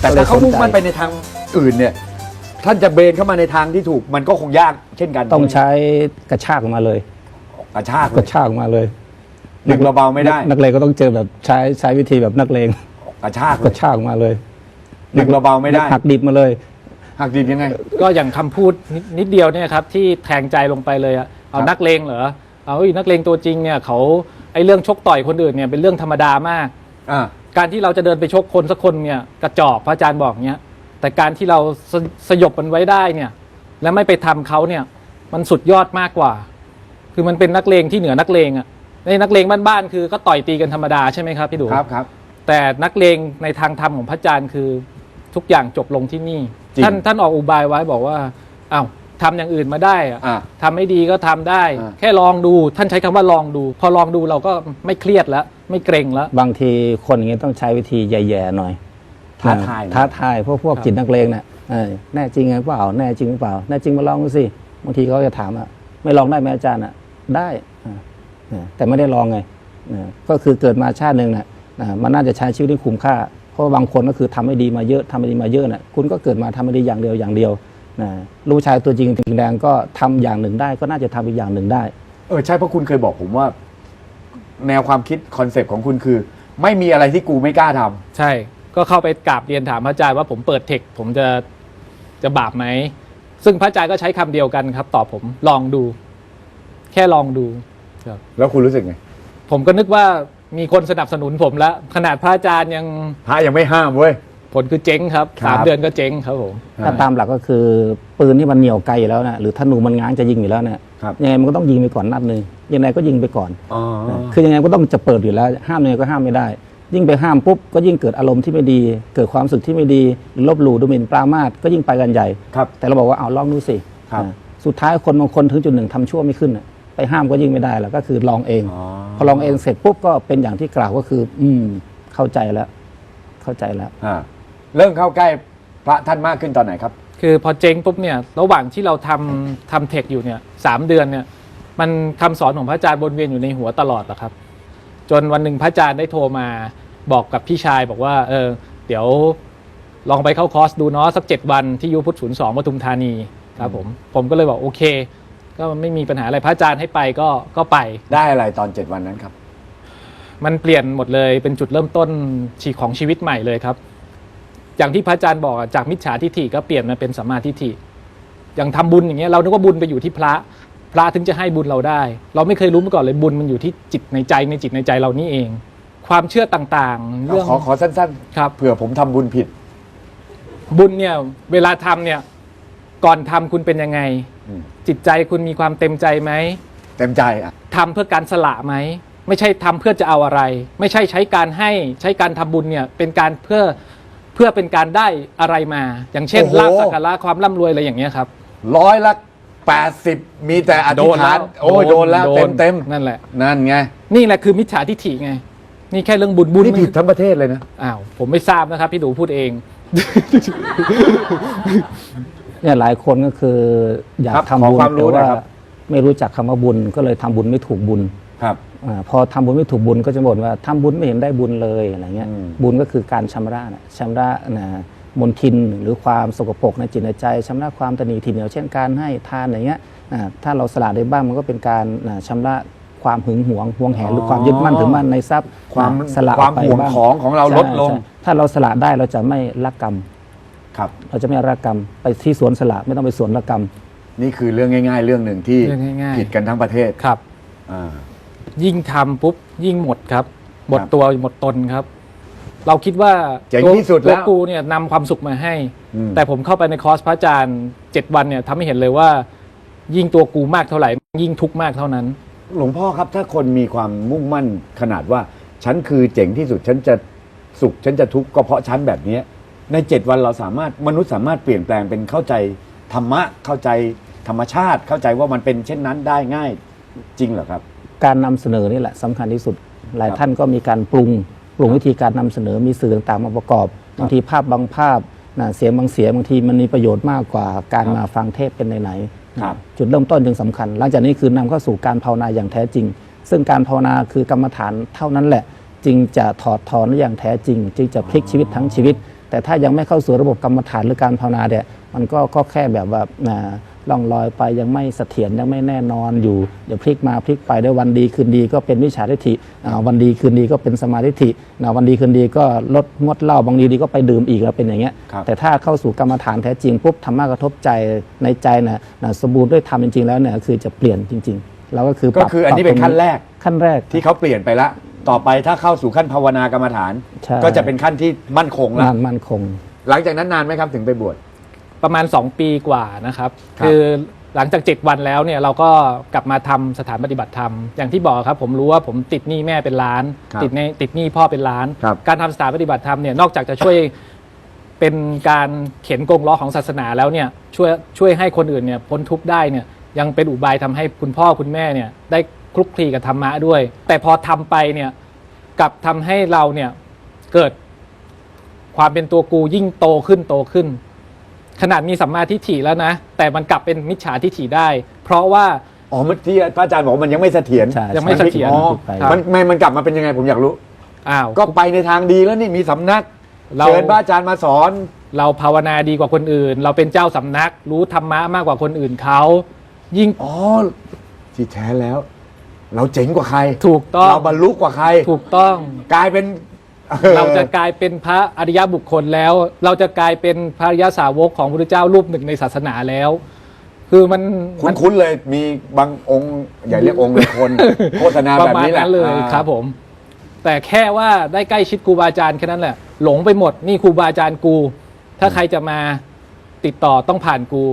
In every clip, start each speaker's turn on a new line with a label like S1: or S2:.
S1: แต่ถ้าเขามุ่งมั่นไปในทางอื่นเนี่ยท่านจะเบนเข้ามาในทางที่ถูกมันก็คงยากเช่นกัน
S2: ต้องใช้กระชากออกมาเลย
S1: กระชาก
S2: ออกมาเลย
S1: ดึงเบาๆไม่ได้
S2: นักเลงก็ต้องเจอแบบใช้วิธีแบบนักเลง
S1: กระชาก
S2: ออกมาเลย
S1: ดึงเบาๆไม่ได้
S2: หักดิบมาเลย
S1: หักดิบยังไง
S3: ก็อย่างคำพูดนิดเดียวเนี่ยครับที่แทงใจลงไปเลยอะเอานักเลงเหรอเอานักเลงตัวจริงเนี่ยเขาไอ้เรื่องชกต่อยคนอื่นเนี่ยเป็นเรื่องธรรมดามากการที่เราจะเดินไปชกคนสักคนเนี่ยกระจอกพระอาจารย์บอกเนี้ยแต่การที่เราสยบมันไว้ได้เนี่ยและไม่ไปทำเขาเนี่ยมันสุดยอดมากกว่าคือมันเป็นนักเลงที่เหนือนักเลงอ่ะในนักเลงบ้านๆคือก็ต่อยตีกันธรรมดาใช่ไหมครับพี่ดู
S1: ครับ
S3: แต่นักเลงในทางธรรมของพระอาจารย์คือทุกอย่างจบลงที่นี่ท่านออกอุบายไว้บอกว่าอ้าวทำอย่างอื่นมาได้ทำไม่ดีก็ทำได้แค่ลองดูท่านใช้คำว่าลองดูพอลองดูเราก็ไม่เครียดแล้วไม่เกรงแล้ว
S2: บางทีคนอย่างนี้ต้องใช้วิธีแย่ๆหน่อยท้าทายพวกจิตนักเลงเนี่ยแน่จริงไงเปล่าแน่จริงหรือเปล่าแน่จริงมาลองดูสิบางทีเขาจะถามไม่ลองได้ไหมอาจารย์ได้แต่ไม่ได้ลองไงก็คือเกิดมาชาติหนึ่งมันน่าจะใช้ชีวิตที่คุ้มค่าเพราะบางคนก็คือทำไม่ดีมาเยอะคุณก็เกิดมาทำไม่ดีอย่างเดียวลูกชายตัวจริงแดงก็ทำอย่างหนึ่งได้ก็น่าจะทำอีกอย่างหนึ่งได้
S1: ใช่เพราะคุณเคยบอกผมว่าแนวความคิดคอนเซปต์ของคุณคือไม่มีอะไรที่กูไม่กล้าทำ
S3: ใช่ก็เข้าไปกราบเรียนถามพระอาจารย์ว่าผมเปิดเทคผมจะบาปไหมซึ่งพระอาจารย์ก็ใช้คำเดียวกันครับตอบผมลองดูแค่ลองดู
S1: ครับแล้วคุณรู้สึกไง
S3: ผมก็นึกว่ามีคนสนับสนุนผมแล้วขนาดพระอาจารย์
S1: พระยังไม่ห้ามเว้ย
S3: ผลคือเจ๊งครับ3 เดือนก็เจ๊งครับผม
S2: ถ้าตามหลักก็คือปืนที่มันเหนี่ยวไกลอยู่แล้วนะหรือธนูมันง้างจะยิงอยู่แล้วเนี่ยยังไงมันก็ต้องยิงไปก่อนนัดนึงยังไงก็ยิงไปก่อนคือยังไงก็ต้องจะเปิดอยู่แล้วห้ามยังไงก็ห้ามไม่ได้ยิ่งไปห้ามปุ๊บก็ยิ่งเกิดอารมณ์ที่ไม่ดีเกิดความรู้สึกที่ไม่ดีหรือลบหลู่ดูหมิ่นปรามาสก็ยิ่งไปกันใหญ่แต่เราบอกว่าเอาลองดูสิสุดท้ายคนบางคนถึงจุดหนึ่งทำชั่วไม่ขึ้นไปห้ามก็ยิ่งไม่ได้แล้วก็คือลองเองพอลองเองเสร็จปุ๊บก็เป็นอย่างที่กล่าวก็คือเข้าใจแล้ว
S1: เริ่มเข้าใกล้พระท่านมากขึ้นตอนไหนครับ
S3: คือพอเจ๊งปุ๊บเนี่ยระหว่างที่เราทำเทคอยู่เนี่ย3 เดือนเนี่ยมันคำสอนของพระอาจารย์วนเวียนอยู่ในหัวตลอดแหละครับจนวันหนึ่งพระอาจารย์ได้โทรมาบอกกับพี่ชายบอกว่าเดี๋ยวลองไปเข้าคอร์สดูเนาะสัก7 วันที่ยุพุทธ02 ปทุมธานีครับผมก็เลยบอกโอเคก็ไม่มีปัญหาอะไรพระอาจารย์ให้ไปก็ไป
S1: ได้อะไรตอน7 วันนั้นครับ
S3: มันเปลี่ยนหมดเลยเป็นจุดเริ่มต้นของชีวิตใหม่เลยครับอย่างที่พระอาจารย์บอกจากมิจฉาทิฏฐิก็เปลี่ยนมาเป็นสัมมาทิฏฐิอย่างทำบุญอย่างเงี้ยเรานึกว่าบุญไปอยู่ที่พระถึงจะให้บุญเราได้เราไม่เคยรู้มาก่อนเลยบุญมันอยู่ที่จิตในใจเรานี่เองความเชื่อต่างๆ
S1: เรื่องขอสั้นๆครับเผื่อผมทำบุญผิด
S3: บุญเนี่ยเวลาทำเนี่ยก่อนทำคุณเป็นยังไงจิตใจคุณมีความเต็มใจไหม
S1: เต็มใจ
S3: ทำเพื่อการสละไหมไม่ใช่ทำเพื่อจะเอาอะไรไม่ใช่ใช้การให้ใช้การทำบุญเนี่ยเป็นการเพื่อเป็นการได้อะไรมาอย่างเช่นลาภสักการะความร่ำรวยอะไรอย่างเงี้ยครับ
S1: 80มีแต่อธิษฐานโดนแล้วเต็ม
S3: นั่นแหละ
S1: นั่นไง
S3: นี่แหละคือมิจฉาทิฏฐิไงนี่แค่เรื่องบุญ
S1: นี่ผิดทั้งประเทศเลยนะ
S3: ผมไม่ทราบนะครับพี่ดูพูดเอง
S2: เนี่ยหลายคนก็คืออยากทำบุญแต่ว่าไม่รู้จักคำว่าบุญก็เลยทำบุญไม่ถูกบุญ
S1: ครับ
S2: พอทำบุญไม่ถูกบุญก็จะบ่นว่าทำบุญไม่เห็นได้บุญเลยอะไรเงี้ยบุญก็คือการชำระมลทินหรือความสกปรกในจิตในใจชำระความตนีทีเหนียวเช่นการให้ทานอย่างเงี้ยถ้าเราสละได้บ้างมันก็เป็นการชำระความหึงหวงแหนหรือความยึดมั่นถือมั่นในทรัพย์
S1: ความ
S2: สละ
S1: ความห่วงของเราลดลง
S2: ถ้าเราสละได้เราจะไม่รักกรรม
S1: ครับ
S2: เราจะไม่รักกรรมไปที่สวนสละไม่ต้องไปสวนรักกรรม
S1: นี่คือเรื่องง่ายๆเรื่องหนึ่งที่ผิดกันทั้งประเทศ
S3: ครับยิ่งทำปุ๊บยิ่งหมดครับหมดตัวหมดตนครับเราคิดว่าตัวกูเนี่ยนำความสุขมาให้แต่ผมเข้าไปในคอร์สพระอาจารย์7 วันเนี่ยทำให้เห็นเลยว่ายิ่งตัวกูมากเท่าไหร่ยิ่งทุกข์มากเท่านั้น
S1: หลวงพ่อครับถ้าคนมีความมุ่งมั่นขนาดว่าฉันคือเจ๋งที่สุดฉันจะสุขฉันจะทุกข์ก็เพราะฉันแบบนี้ใน7 วันเรามนุษย์สามารถเปลี่ยนแปลงเป็นเข้าใจธรรมะเข้าใจธรรมชาติเข้าใจว่ามันเป็นเช่นนั้นได้ง่ายจริงเหรอครับ
S2: การนำเสนอนี่แหละสำคัญที่สุดหลายท่านก็มีการปรุงวิธีการนำเสนอมีสื่อต่างๆมาประกอบบางทีภาพบางภาพเสียงบางเสียงบางทีมันมีประโยชน์มากกว่าการมาฟังเทศเป็นไหนจุดเริ่มต้นจึงสำคัญหลังจากนี้คือนำเข้าสู่การภาวนาอย่างแท้จริงซึ่งการภาวนาคือกรรมฐานเท่านั้นแหละจึงจะถอดถอนอย่างแท้จริงจึงจะพลิกชีวิตทั้งชีวิตแต่ถ้ายังไม่เข้าสู่ระบบกรรมฐานหรือการภาวนาเนี่ยมันก็แค่แบบว่าล่องลอยไปยังไม่เสถียรยังไม่แน่นอนอยู่เดี๋ยวพลิกมาพลิกไปได้วันดีคืนดีก็เป็นมิจฉาทิฏฐิวันดีคืนดีก็เป็นสมาธิฏฐิวันดีคืนดีก็ลดงดเหล้าบางทีก็ไปดื่มอีกแล้วเป็นอย่างเงี้ยแต่ถ้าเข้าสู่กรรมฐานแท้จริงปุ๊บธรรมะกระทบใจในใจนะสมบูรณ์ด้วยธรรมจริงๆแล้วเนี่ยคือจะเปลี่ยนจริงๆแล้วก็คือ
S1: ก็คืออันนี้เป็นขั้นแรก
S2: ขั้นแรก
S1: ที่เขาเปลี่ยนไปละต่อไปถ้าเข้าสู่ขั้นภาวนากรรมฐาน
S2: ใช่
S1: ก็จะเป็นขั้นที่มั่นคงละ
S2: มั่นคง
S1: หลังจากนั้นนานไหมครับถึงไปบวช
S3: ประมาณ 2 ปีกว่านะครับ
S1: ครับ
S3: คือหลังจาก 7 วันแล้วเนี่ยเราก็กลับมาทำสถานปฏิบัติธรรมอย่างที่บอกครับผมรู้ว่าผมติดหนี้แม่เป็นล้าน ติดหนี้พ่อเป็นล้าน การทำสถานปฏิบัติธรรมเนี่ยนอกจากจะช่วยเป็นการเข็นกงล้อของศาสนาแล้วเนี่ยช่วยให้คนอื่นเนี่ยพ้นทุกข์ได้เนี่ยยังเป็นอุบายทำให้คุณพ่อคุณแม่เนี่ยได้คลุกคลีกับธรรมะด้วย แต่พอทำไปเนี่ยกลับทำให้เราเนี่ยเกิดความเป็นตัวกูยิ่งโตขึ้นขนาดมีสัมมาทิฏฐิแล้วนะแต่มันกลับเป็นมิจฉาทิฏฐิได้ เพราะว่า
S1: อ๋อเมื่อที่พระอาจารย์บอกว่ามันยังไม่เสถียร
S2: ใช่
S3: ยังไม่เสถียร
S1: อ๋อ
S2: ครับ
S1: มันกลับมาเป็นยังไงผมอยากรู้
S3: อ้าว
S1: ก็ไปในทางดีแล้วนี่มีสำนัก
S3: เรา
S1: เชิญพระอาจารย์มาสอน
S3: เราภาวนาดีกว่าคนอื่น เราเป็นเจ้าสำนักรู้ธรรมะมากกว่าคนอื่นเขายิ่ง
S1: อ๋อที่แท้แล้ว เราเจ๋งกว่าใคร
S3: ถูกต้อง
S1: เราบรรลุกว่าใคร
S3: ถูกต้อง
S1: กลายเป็น
S3: เราจะกลายเป็นพระอริยบุคคลแล้ว เราจะกลายเป็นพระอริยสาวกของพระพุทธเจ้ารูปหนึ่งในศาสนาแล้ว คือมัน
S1: คุ้นๆเลยมีบางองค์อย่าเรียกองค์เลยคน โฆษณา
S3: ป
S1: แบ
S3: ระ
S1: บ
S3: มาณ
S1: นี้แหละ
S3: นั้นเลย
S1: อ่า
S3: ครับผม แต่แค่ว่าได้ใกล้ชิดครูบาอาจารย์แค่นั้นแหละ หลงไปหมดนี่ครูบาอาจารย์กู ถ้าใครจะมาติดต่อต้องผ่านกู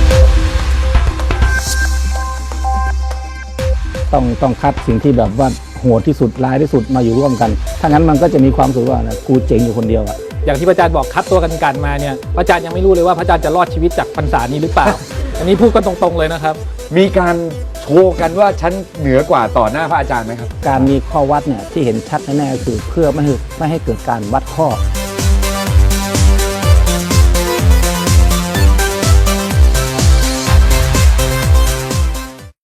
S2: ต้องคัดสิ่งที่แบบว่าโหดที่สุดร้ายที่สุดมาอยู่ร่วมกัน ถ้างั้นมันก็จะมีความรู้สึกว่านะกูเจ๋งอยู่คนเดียวอะ
S3: อย่างที่พระอาจารย์บอกคัดตัวกันมาเนี่ยพระอาจารย์ยังไม่รู้เลยว่าพระอาจารย์จะรอดชีวิตจากพรรษานี้หรือเปล่า อันนี้พูดกันตรงๆเลยนะครับ
S1: มีการโชว์กันว่าฉันเหนือกว่าต่อหน้าพระอาจารย์ไหมครับ
S2: การมีข้อวัดเนี่ยที่เห็นชัดแน่ๆก็คือเพื่อไม่ให้เกิดการวัดข้อ